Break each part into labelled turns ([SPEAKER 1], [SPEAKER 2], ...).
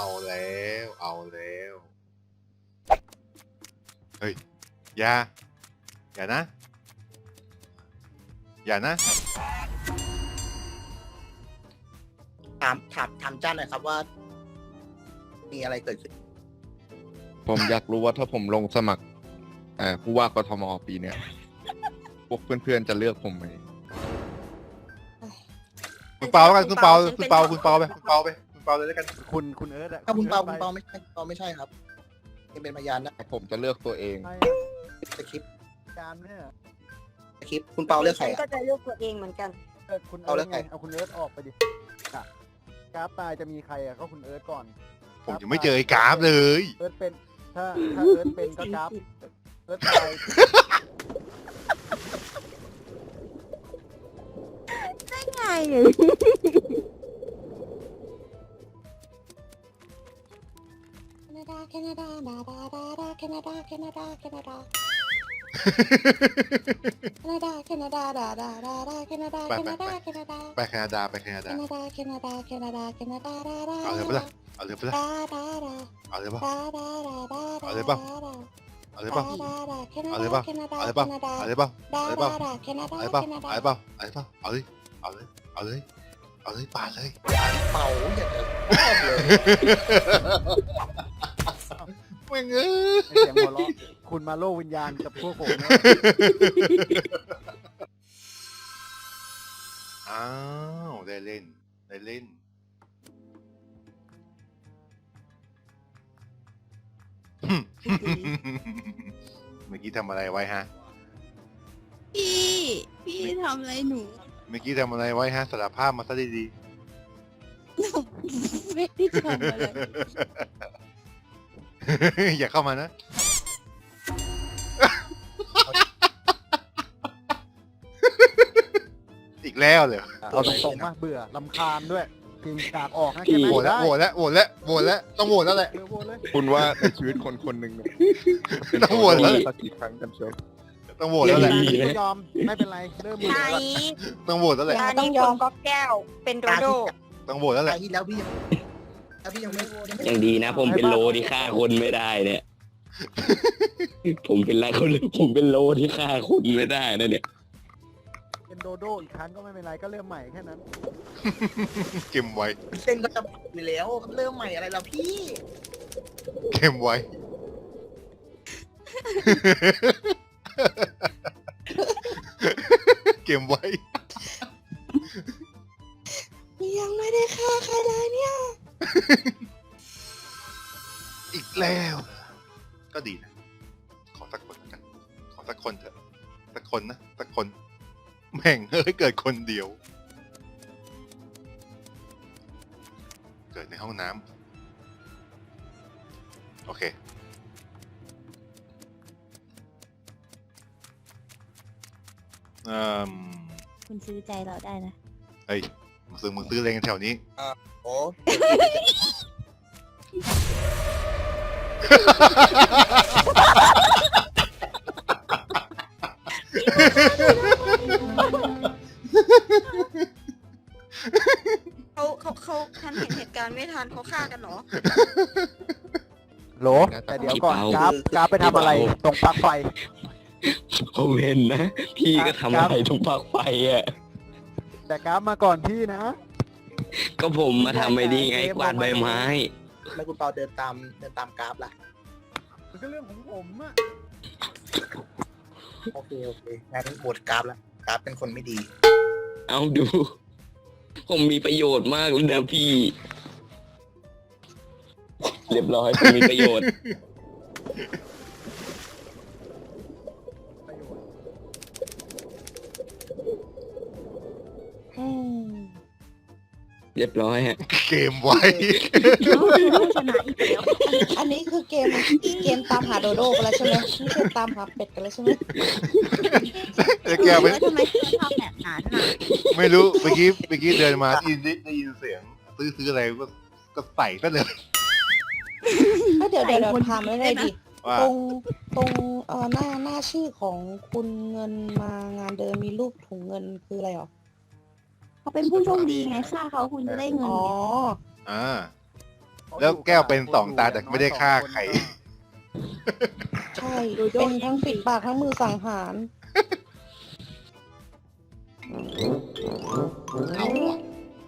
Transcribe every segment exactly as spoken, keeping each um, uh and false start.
[SPEAKER 1] เอาแล้วเอาแล้วเฮ้ยอย่าอย่านะอย่านะ
[SPEAKER 2] ถามถามถามจ้าหน่อยครับว่า มีอะไรเกิดขึ้น
[SPEAKER 3] ผมอยากรู้ว่าถ้าผมลงสมัครเอ่อผู้ว่ากทมปีเนี้ยพวกเพื่อนๆจะเลือกผมไหม
[SPEAKER 1] คุณเปาแล้วกันคุณเปาคุณเปาคุณเปาไปคุณเปาไปคุณเปาเลยแล้วกัน
[SPEAKER 4] คุณคุณเอิร์ธอะ
[SPEAKER 2] ถ้าคุณเปา
[SPEAKER 4] อิ
[SPEAKER 2] คุ
[SPEAKER 4] ร์
[SPEAKER 2] ณ
[SPEAKER 4] ธ
[SPEAKER 2] เปาไม่ใช่คุณเปาไม่ใช่ครับยังเป็นพยานนะ
[SPEAKER 3] ผมจะเลือกตัวเอง
[SPEAKER 4] ไป
[SPEAKER 2] สคริปต์
[SPEAKER 4] การเนี่ย
[SPEAKER 2] สคริปต์คุณเปาเลือกใคร
[SPEAKER 5] ฉัน
[SPEAKER 2] อะ
[SPEAKER 5] ก็จะเลือกตัวเองเหมือนกัน
[SPEAKER 4] เอิร์ธคุณ
[SPEAKER 2] เอา
[SPEAKER 4] เอิ
[SPEAKER 2] แล้
[SPEAKER 4] ร์
[SPEAKER 2] ว
[SPEAKER 4] ธไง
[SPEAKER 2] ไง
[SPEAKER 4] เอาคุณเอิร์ธออกไปดิกะกราฟตายจะมีใครอะก็คุณเอิร์ธก่อน
[SPEAKER 1] ผมยังไม่เจอไอ้กราฟเลย
[SPEAKER 4] เอิร์ธเป็นถ้าถ้าเอิร์ธเป็นก็กราฟเอิร์ธตาย
[SPEAKER 5] ง่ายเลย แคนาดาแคนาดาดาดาดาแคนาดาแคนาดาแคนาดาแคนาดาแคนาดาดาดาดาดาแคนาดาแคนาดาแคนาดา
[SPEAKER 1] ไปแคนาดาไปแคนา
[SPEAKER 5] แค
[SPEAKER 1] ดา
[SPEAKER 5] นาดาแคนาดาแคนาดาแคนาดาดาดา
[SPEAKER 1] เอาเลยปะล่ะเอาเลยปะล่ะ
[SPEAKER 5] ดาดาดา
[SPEAKER 1] เอาเลยปะ
[SPEAKER 5] ดาดาดาดา
[SPEAKER 1] เอาเลยปะ เอาเลยปะ
[SPEAKER 5] ดาดาแคนา
[SPEAKER 1] เอา
[SPEAKER 5] ดา
[SPEAKER 1] เลยปะ
[SPEAKER 5] แคนาดา
[SPEAKER 1] เอาเลย
[SPEAKER 5] แค
[SPEAKER 1] ปะ
[SPEAKER 5] นาดา
[SPEAKER 1] เอาเลยปะ
[SPEAKER 5] ดา
[SPEAKER 1] เอาเลย
[SPEAKER 5] ดา
[SPEAKER 1] ปะ
[SPEAKER 5] ดาแคนาดา
[SPEAKER 1] เอาเลย
[SPEAKER 5] แค
[SPEAKER 1] ปะ
[SPEAKER 5] นา
[SPEAKER 1] เอา
[SPEAKER 5] ดา
[SPEAKER 1] เลยปะเอาเลยปะเอาเลยเอาเลยเอาเลยเอาเลยปาดเลย
[SPEAKER 2] เปาอย่าจะชอบเลย
[SPEAKER 1] แม่งเอ้ย
[SPEAKER 4] ไอ้เสียงหัวเราะคุณมาโลกวิญญาณกับพวกผมนะ
[SPEAKER 1] อ้าวได้เล่นได้เล่นเมื่อกี้ทำอะไรไว้ฮะ
[SPEAKER 6] พี่ พี่ทำอะไรหนู
[SPEAKER 1] เมื่อกี้ทำอะไรไว้ฮะสารภาพมาซะดี
[SPEAKER 6] ไม่ได้ทำอะไร
[SPEAKER 1] ๆ อย่าเข้ามานะ อีกแล้วเลย
[SPEAKER 4] เอาตรงๆมาเบื่อลำคาญด้วยพิมพ์จากออกนะแค่ไหน
[SPEAKER 1] โหวตแล้วโหวตแล้วโหวตแล้วโหวตแล้วต้องโหวตแล้วแหละ
[SPEAKER 4] เร็วโหวตเลย
[SPEAKER 3] คุณว่าในชีวิตคนคนหนึ่งเนี่ย
[SPEAKER 1] ต้องโหวตแล้ว
[SPEAKER 3] สักกี่ครั้งกันเชียว
[SPEAKER 1] ต้องโหวตแล้วแหละ
[SPEAKER 4] ก็ยอมไม่เป็นไรเริ่มมือ
[SPEAKER 5] ใช่
[SPEAKER 4] ก่อน
[SPEAKER 1] ต้องโหวตแล้วแหละ
[SPEAKER 5] ตานี้คนก็แก้ว เป็นโดโด
[SPEAKER 1] ต้องโหวตแล้วแห
[SPEAKER 2] ตา
[SPEAKER 1] ละ
[SPEAKER 2] ยที่แล้วพี่ยังแล้วพี่ยังไม่ยังไม่
[SPEAKER 7] ยังดีนะ ผมเป็นโลที่ฆ่าคนไม่ได้เนี่ย ผมเป็นไรคนผมเป็นโลที่ฆ่าคนไม่ได้นะเนี่ย
[SPEAKER 4] เป็นโดโดอีกครั้งก็ไม่เป็นไรก็เริ่มใหม่แค่นั้น
[SPEAKER 1] เก็บไว้
[SPEAKER 2] เส้นก็จะอยู่แล้วเริ่มใหม่อะไรแล้วพี่
[SPEAKER 1] เก็บไว้ เก็บไว้
[SPEAKER 5] ยังไม่ได้ฆ่าใครเลยเนี่ย
[SPEAKER 1] อีกแล้ว ก็ดีนะ ขอสักคนแล้วกัน ขอสักคนเถอะ สักคนนะ สักคน แม่งเฮ้ยเกิดคนเดียว เกิดในห้องน้ำ โอเค เอ่อ
[SPEAKER 6] คุณซื้อใจเราได้นะ
[SPEAKER 1] เฮ้ย มึงซื้อมึงซื้ออะไรกันแถวนี้
[SPEAKER 2] โอ้
[SPEAKER 5] เขาเขาเขาทันเห็นเหตุการณ์ไม่ทันเขาฆ่ากันเหรอ
[SPEAKER 4] โหลแต่เดี๋ยวก่อนกราฟกราฟไปทำอะไรตรงปลั๊กไฟ
[SPEAKER 7] ผมเห็นนะ พี่ก็ทำอะไรตรงปลั๊กไฟอ่ะ
[SPEAKER 4] แต่กราฟมาก่อนพี่นะ
[SPEAKER 7] ก็ผมมาทำไอ้นี่ไงกวาดใบไม้
[SPEAKER 2] แล้วคุณเปาเดินตามเดินตามกราฟล่ะ
[SPEAKER 4] มันก็เรื่องของผมอะ
[SPEAKER 2] โอเคโอเคงั้นโหวตกราฟแล้วกราฟเป็นคนไม่ดี
[SPEAKER 7] เอาดู ผมมีประโยชน์มากเลยนะพี่ เรียบร้อยผมมีประโยชน์
[SPEAKER 4] ประโยชน์
[SPEAKER 5] อืม
[SPEAKER 7] เรียบร้อยฮะ
[SPEAKER 1] เกมไว้
[SPEAKER 5] ต้องชนะอีกแล้ว อันนี้คือเกมเกมตามหาโดโดกันแล้วใช่ไหมไม่ใช่ตามหาเป็ดกันแล้วใช่ไหม
[SPEAKER 1] แล้วแกไป
[SPEAKER 6] แล้วทำไมเธอชอบแบบนั้นอ่ะ
[SPEAKER 1] ไม่รู้ เมื่อกี้ เมื่อกี้เดินมาได้ยินได้ยินเสียง ซื้อซื้ออะไรก็ก็ใส่ก็เลย
[SPEAKER 5] ก็เดี๋ยวเดี๋ยวเดี๋ยวถามไม่ได้ดิ
[SPEAKER 1] ว่า
[SPEAKER 5] ตรงตรงเอ่อหน้าหน้าชื่อของคุณเงินมางานเดินมีรูปถุงเงินคืออะไรหรอ
[SPEAKER 6] เขาเป็นผู้โชคดีไงฆ่าเขาคุณจะได้เงิน
[SPEAKER 5] อ๋อ
[SPEAKER 6] ไง
[SPEAKER 1] อ่าแล้วแก้วเป็นสองตาแต่ไม่ได้ฆ่าใคร
[SPEAKER 5] ใช่ เป็นทั้งปิดปากทั้งมือสังหาร
[SPEAKER 1] เอาวะ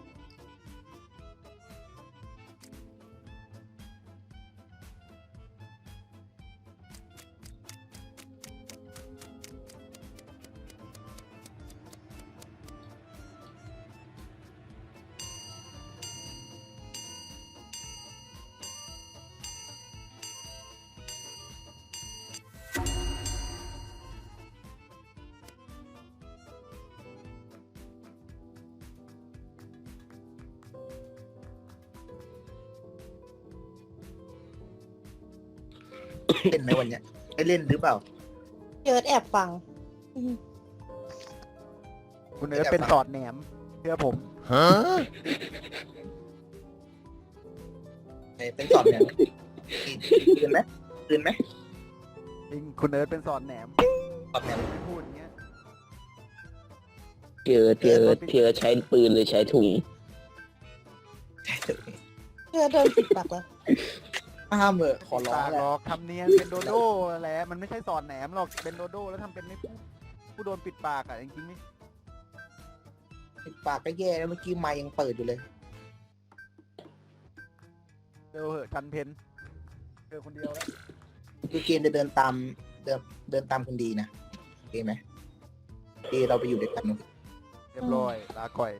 [SPEAKER 2] เล่นไหมวันเนี้ยได้เล่นหรือเปล่า
[SPEAKER 5] เจิดแอบฟังอืม
[SPEAKER 4] คุณเอิร์ธเป็นสอดแหนมเชื่อผม
[SPEAKER 3] ฮะ
[SPEAKER 2] เอ้ยเป็นสอนเนี่ยตื่นไหมตื่นไหม
[SPEAKER 4] จริงคุณเอิร์ธเป็นสอดแหนม
[SPEAKER 2] สอนเนี่ย
[SPEAKER 4] ไม่พูดอย่างเงี้ย
[SPEAKER 7] เจอเจอเจอใช้ปืนหรือใช้ถุง
[SPEAKER 5] เจิดเดินปิดปากแล้ว
[SPEAKER 2] ห้ามเถอะขอร้อง
[SPEAKER 4] ปาก
[SPEAKER 2] แห
[SPEAKER 4] หร
[SPEAKER 2] ละ
[SPEAKER 4] อกทำเนียนเป็นโดโด้แหละมันไม่ใช่สอดแหนมหรอกเป็นโดโด้แล้วทำเป็นไม่พูดผู้โดนปิดปากอ่ะจริงๆไม่
[SPEAKER 2] ปิดปากก็แย่แล้วเมื่อกี้ไมค์ยังเปิดอยู่เลย
[SPEAKER 4] เจอเหอะชันเพนเจอคนเดียวแล้ว
[SPEAKER 2] คือเกมจะเดินตามเดินเดินตามคนดีนะโอเคไหมที่เราไปอยู่ด้วยกัน
[SPEAKER 4] เรียบร้อยลาก่อย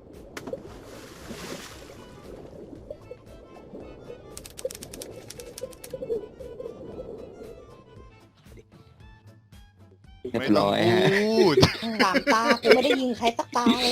[SPEAKER 7] เรียบ
[SPEAKER 1] ไม่
[SPEAKER 7] ร้
[SPEAKER 1] ต้อง
[SPEAKER 7] อยฮะ
[SPEAKER 1] พูด
[SPEAKER 5] สามตากูไม่ได้ยิงใครสักตาเลย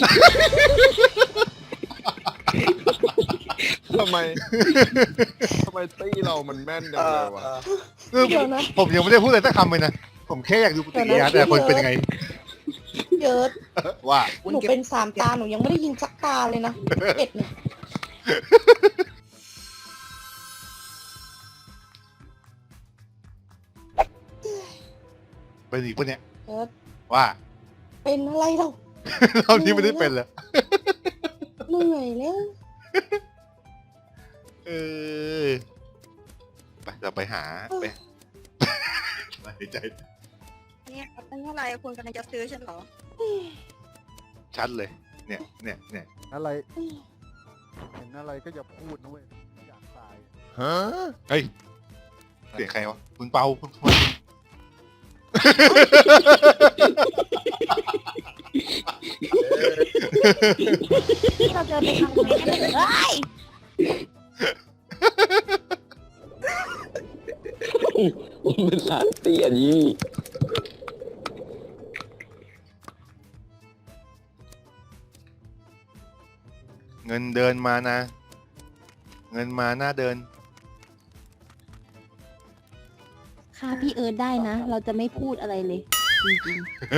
[SPEAKER 3] ทำไม ทำไมตี้เรามันแม่นจัง
[SPEAKER 2] เอ
[SPEAKER 3] เล
[SPEAKER 2] อย
[SPEAKER 3] วะ
[SPEAKER 2] เออ
[SPEAKER 1] คือ
[SPEAKER 5] เดี๋ยวนะ
[SPEAKER 1] ผมยังไม่ได้พูดอะไรสักคำเลยนะ ผมแค่อยากดูปฏิกิริยาแต่ละคนเป็นยังไง
[SPEAKER 5] เจิด
[SPEAKER 1] ว่า
[SPEAKER 5] หนูเป็นสามตาหนูยังไม่ได้ยิงสักตาเลยนะเอ็ดเนี่ย
[SPEAKER 1] เป็นอีกปะเนี่ย
[SPEAKER 5] เจิด
[SPEAKER 1] ว่า
[SPEAKER 5] เป็นอะไรเรา
[SPEAKER 1] เรานี้ไม่ได้เป็นเลย
[SPEAKER 5] เหนื่อยแล้ว
[SPEAKER 1] เออไปเราไปหาไปหายใจ
[SPEAKER 6] เนี่ยเป็นเท่าไหร่คุณกำลังจะซื้อฉันเหรอ
[SPEAKER 1] ชัดเลย เนี่ยเนี่ยเนี่ย
[SPEAKER 4] อะไรเห็นอะไรก็อย่าพูดนะเว้ยอยากตาย
[SPEAKER 3] ฮะ
[SPEAKER 1] เฮ้ยเสียงใครวะคุณเปาคุณคุณ
[SPEAKER 5] ที่เราเจอไปทางไหนกันเลย
[SPEAKER 7] ผมเป็นสารเตี้ยยี่
[SPEAKER 1] เงินเดินมานะ เงินมาหน้าเดิน
[SPEAKER 5] ค่ะพี่เอิร์ธได้นะ เราจะไม่พูดอะไรเลย จริง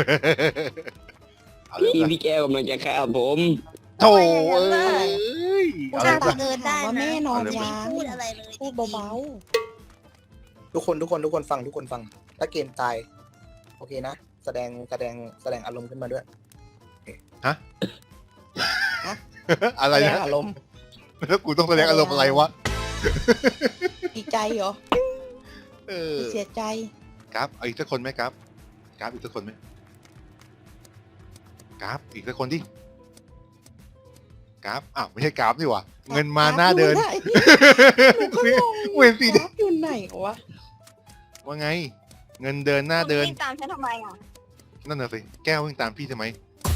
[SPEAKER 1] เอาเลย
[SPEAKER 7] พี่
[SPEAKER 1] นะ
[SPEAKER 7] พี่แก้วกำลังจะฆ่าผม
[SPEAKER 1] โถเอ้ย
[SPEAKER 5] ๆ
[SPEAKER 1] เอาเลย
[SPEAKER 5] ถ้า
[SPEAKER 1] นะ
[SPEAKER 5] เอิร์ธได้นะแม่นอน
[SPEAKER 1] เอาเลย
[SPEAKER 5] ยาง
[SPEAKER 6] พูดอะไรเลย
[SPEAKER 5] พูดเบา
[SPEAKER 2] ทุกคนทุกคนทุกคนฟังทุกคนฟัง ถ้าเกมตาย โอเคนะ แสดงแสดงแสดงอารมณ์ขึ้นมาด้วย
[SPEAKER 1] ฮะ
[SPEAKER 5] ๆ
[SPEAKER 1] อะไร
[SPEAKER 5] แสด
[SPEAKER 1] นะ
[SPEAKER 5] งอารมณ์
[SPEAKER 1] แล้วกูต้องแสดงอารมณ์อะไรวะ
[SPEAKER 5] ดีใจเหรอ
[SPEAKER 1] เออ
[SPEAKER 5] เสียใจ
[SPEAKER 1] กราฟเอาอีกสักคนไหมกราฟกราฟอีกสักคนไหมกราฟอีกสักคนดิกราฟอ้าวไม่ใช่กราฟนี่หว่าเงินมาหน้าเดิน
[SPEAKER 5] หนูก็งง
[SPEAKER 1] เวนสิ
[SPEAKER 5] กราฟอยู่ไหนวะ
[SPEAKER 1] ว่าไง เงินเดินหน้าเดิน
[SPEAKER 6] วิ่งตามฉันทำไมอ่ะ
[SPEAKER 1] นั่นน่ะสิแก้ววิ่งตามพี่ทำไม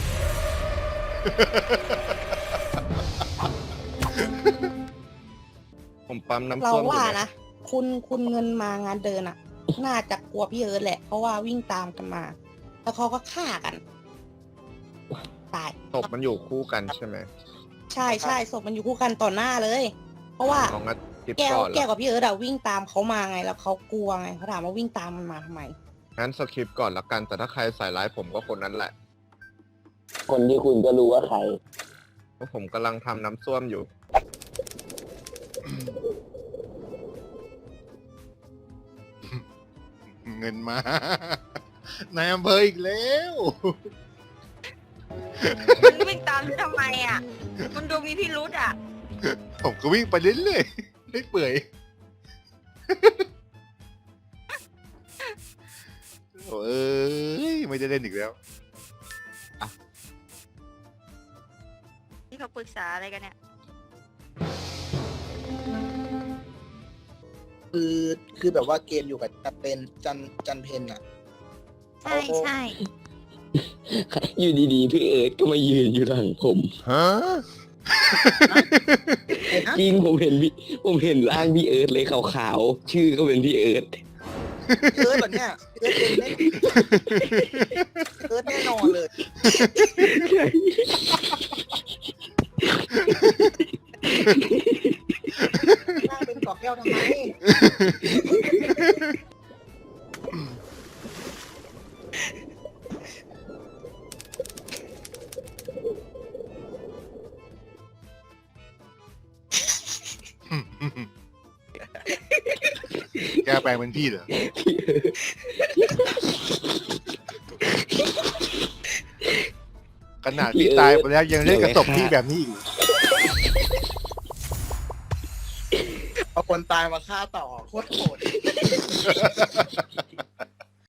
[SPEAKER 3] ผมปั๊มน้ำ
[SPEAKER 5] เรา
[SPEAKER 3] ส้มอยู่
[SPEAKER 5] ว่า
[SPEAKER 3] เนี่ย
[SPEAKER 5] นะ คุณคุณเงินมางานเดินอ่ะ น่าจะกลัวพี่เอิร์ธแหละ เพราะว่าวิ่งตามกันมา แล้วเขาก็ฆ่ากัน ตาย
[SPEAKER 3] ศพมันอยู่คู่กันใช่ไหม
[SPEAKER 5] ใช่ใช่ศพมันอยู่คู่กันต่อหน้าเลย เพราะว่า
[SPEAKER 3] ลองงัดคลิป
[SPEAKER 5] แก้ว
[SPEAKER 3] ก่อน
[SPEAKER 5] แก้ว
[SPEAKER 3] ละ
[SPEAKER 5] กับพี่เอิร์ธอะวิ่งตามเขามาไง แล้วเขากลัวไงเขาถามว่าวิ่งตามมันมาทำไม
[SPEAKER 3] งั้นสคริปต์ก่อนละกัน แต่ถ้าใครใส่ร้ายผมก็คนนั้นแหละ
[SPEAKER 7] คนที่คุณก็รู้ว่าใคร
[SPEAKER 3] เพราะผมกำลังทำน้ำส้วมอยู่
[SPEAKER 1] เงินมา นายอำเภออีกแล้ว
[SPEAKER 6] คุณวิ่งตามฉันทำไมอ่ะ คุณดูมีพิรุธอ่ะ
[SPEAKER 1] ผมก็วิ่งไปเรื่อยไม่เปื่อย โอ้เอ้ยไม่ได้เล่นอีกแล้ว
[SPEAKER 6] ที่เขาปรึกษาอะไรกันเนี่ย
[SPEAKER 2] คือคือแบบว่าเกมอยู่กับจันเป็นจันจันเพนอะ
[SPEAKER 6] ใช่ใช่
[SPEAKER 7] อยู่ดีๆพี่เอิร์ธก็มายืนอยู่หลังผม
[SPEAKER 1] ฮะ
[SPEAKER 2] เห็นนะ
[SPEAKER 7] จริงผมเห็นพี่ผมเห็นร่างพี่เอิร์ธเลยขาวๆชื่อก็เป็นพี่เอิร์ธ
[SPEAKER 2] เอิร์ธแบบเนี้ยเอิร์ธเป็นแน่เอิร์ธแน่นอนเลยหน้าเป็นกอกแก้วทำไม
[SPEAKER 1] แกแปลงเป็นพี่เหรอ ขนาดพี่ตายไปแล้วยังเล่นกระตบพี่แบบนี้อีก
[SPEAKER 2] เอาคนตายมาฆ่าต่อโคตรโหด